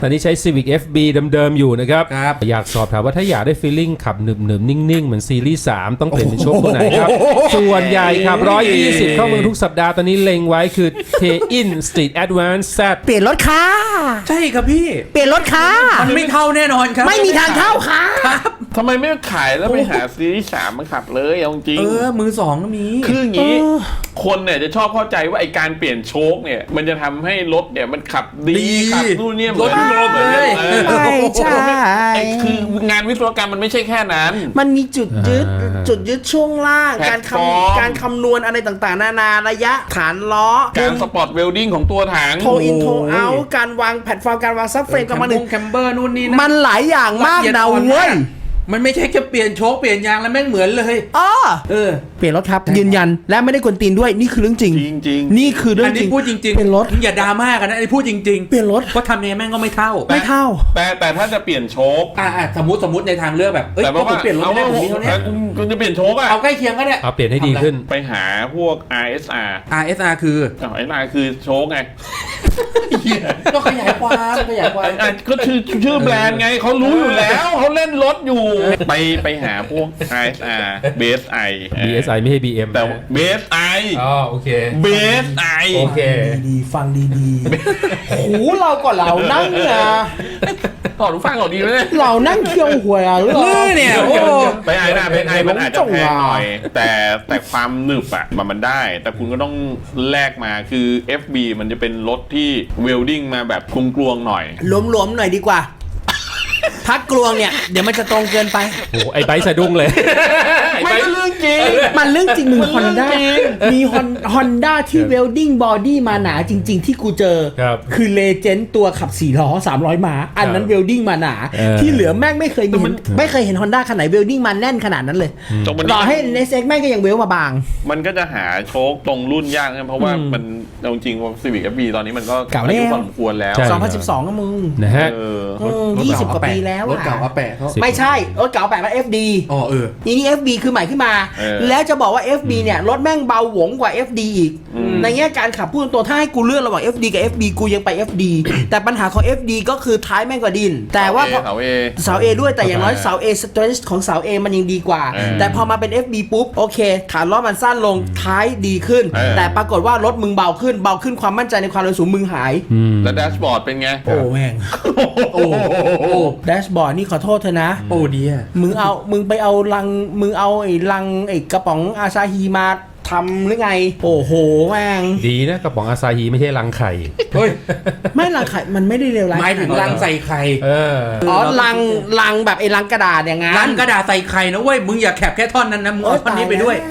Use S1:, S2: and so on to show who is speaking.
S1: ตอนนี้ใช้ Civic FB เดิมๆอยู่นะครับอยากสอบถามว่าถ้าอยากได้ feeling ขับหนึบๆนิ่งๆเหมือนซีรีส์3ต้องเปลี่ยนเป็นโชคตัวไหนครับส่วนใหญ่ขับ120เข้าเมืองทุกสัปดาห์ตอนนี้เล็งไว้คือ K-In Street Advance Z
S2: เปลี่ยนรถค่ะ
S3: ใช่ครับพี่
S2: เปลี่ยนรถค่ะ
S3: มันไม่เข้าแน่นอนครับ
S2: ไม่มีทางเข้าค่ะ
S4: ทำไมไม่ขายแล้วไปหาซีรีส์3มาขับเลยเอาจริง
S3: มือสองก็มี
S4: คืออย่างนี้คนเนี่ยจะชอบเข้าใจว่าไอการเปลี่ยนโชคเนี่ยมันจะทำให้รถเนี่ยมันขับดีขับนู่นเนี่ยเหมือน
S3: เลย
S2: ใช่
S4: คืองานวิศวกรรมมันไม่ใช่แค่นั้น
S2: มันมีจุดยึดช่วงล่างการคำนวณอะไรต่างๆนานาระยะฐานล้อ
S4: การสปอร์ตเวลดิ้งของตัวถัง
S2: โทอินโทเอาการวางแพลตฟอร์มการวางซับเฟรมกับ
S3: แคมเบอร์นู่นนี่
S2: มันหลายอย่างมากนะเว้ย
S3: มันไม่ใช่แค่เปลี่ยนโชคเปลี่ยนยางแล้วแม่งเหมือนเลย
S2: เปลี่ยนรถครับยืนยันและไม่ได้กวนตีนด้วยนี่คือเรื่องจริงนี่คือเรื่องจริง
S3: พูดจริงๆ
S2: เปลี่ยนรถ
S3: อย่าดราม่ากันนะไอ้พูดจริงๆ
S2: เปลี่ยนรถ
S3: เพราะทำเนี่ยแม่งก็ไม่เท่า
S4: แต่ถ้าจะเปลี่ยนโชค
S3: สมมติในทางเลือกแบบ
S4: แต่ว่า
S3: เปลี่ยนรถได้ผมมีเท่านี้
S4: คุณจะเปลี่ยนโชค
S3: เอาใกล้เคียงก็ได้
S1: เอาเปลี่ยนให้ดีขึ้น
S4: ไปหาพวก RSR
S3: คือ
S4: RSR คือโชคไง
S3: ก็ขยายความ
S4: ก็ชื่อแบรนด์ไงเขารู้อยู่แล้วเขาเล่นรถอยู่ไปหาพวก RSR BSI
S1: ไม่ใช่ BM
S4: แต่ BSI
S1: โอเค
S4: BSI
S1: โอเค
S2: ดีฟังดีๆหูเราก็เรานั่งเนี่ย
S4: ขอรู้ฟังก่อนดีไหม
S2: เรานั่งเคี่ยวหวยหรือ
S3: เนี่ย
S4: ไปไอ้หน้าเป็นไอมันอาจจะแพงหน่อยแต่ความหนึบอ่ะมันได้แต่คุณก็ต้องแลกมาคือ FB มันจะเป็นรถที่เวลดิ้งมาแบบกลวงๆหน่อย
S2: หลวมๆหน่อยดีกว่าพักกลวงเนี่ยเดี๋ยวมันจะตรงเกินไป
S1: โอ้ไอ้ไบค์สะดุ้งเลย
S4: ไม่เรื่องจริง
S2: มันเรื่องจริงมึงฮอนด้ามีฮอนด้าที่เวลดิ้งบอดี้มาหนาจริงๆที่กูเจอคือเลเจนด์ตัวขับ4ล้อ300ม้าอันนั้นเวลดิ้งมาหนาที่เหลือแม่งไม่เคยเห็นฮอนด้าคันไหนเวลดิ้งมาแน่นขนาดนั้นเลยต่อให้เนสเอ็กแม่งก็ยังเวลมาบาง
S4: มันก็จะหาโชคตรงรุ่นยากนะเพราะว่ามันจริงว่า Civic FB ตอนนี้มันก็
S2: เก่าแล้ว
S4: พอสมควรแล้ว
S2: 2012ก็มึง
S1: นะฮะ
S2: 20 กว่าปีแล้ว
S3: รถเก่าอาแปะ
S2: ไม่ใช่รถเก่าแปะมัน FD นี่ FB คือใหม่ขึ้นมาแล้วจะบอกว่า FB เนี่ยรถแม่งเบาหวงกว่า FD อีกในแง่การขับพูดตัวถ้าให้กูเลือกระหว่าง FD กับ FB กูยังไป FD แต่ปัญหาของ FD ก็คือท้ายแม่งกว่าดินแต่ว่าเสา A ด้วยแต่อย่างน้อยเสา A strength ของเสา A มันยังดีกว่าแต่พอมาเป็น FB ปุ๊บโอเคฐานล้อมันสั้นลงท้ายดีขึ้นแต่ปรากฏว่ารถมึงเบาขึ้นความมั่นใจในความเร็วสูงมึงหาย
S4: แล้วแดชบอร์ดเป็นไง
S2: โอ้แม่งแดชบอร์ดนี่ขอโทษเธอนะ
S3: โอ้ดีอ่ะ
S2: มึงไปเอาไอ้ลังไอ้กระป๋องอาซาฮีมาทำหรือไงโอ้โหแม่ง
S1: ดีนะกระป๋องอาซาฮีไม่ใช่ลังไข่
S2: ไม่ลังไข่มันไม่ได้เลวร้าย
S3: หมายถึงลังใส่ไข่
S2: ลังแบบไอ้ลังกระดาษอย่างงั้น
S3: ลังกระดาษใส่ไข่นะเว้ยมึงอย่าแคปแค่ท่อนนั้นนะมึงเอาท่อนนี้ไปด้วย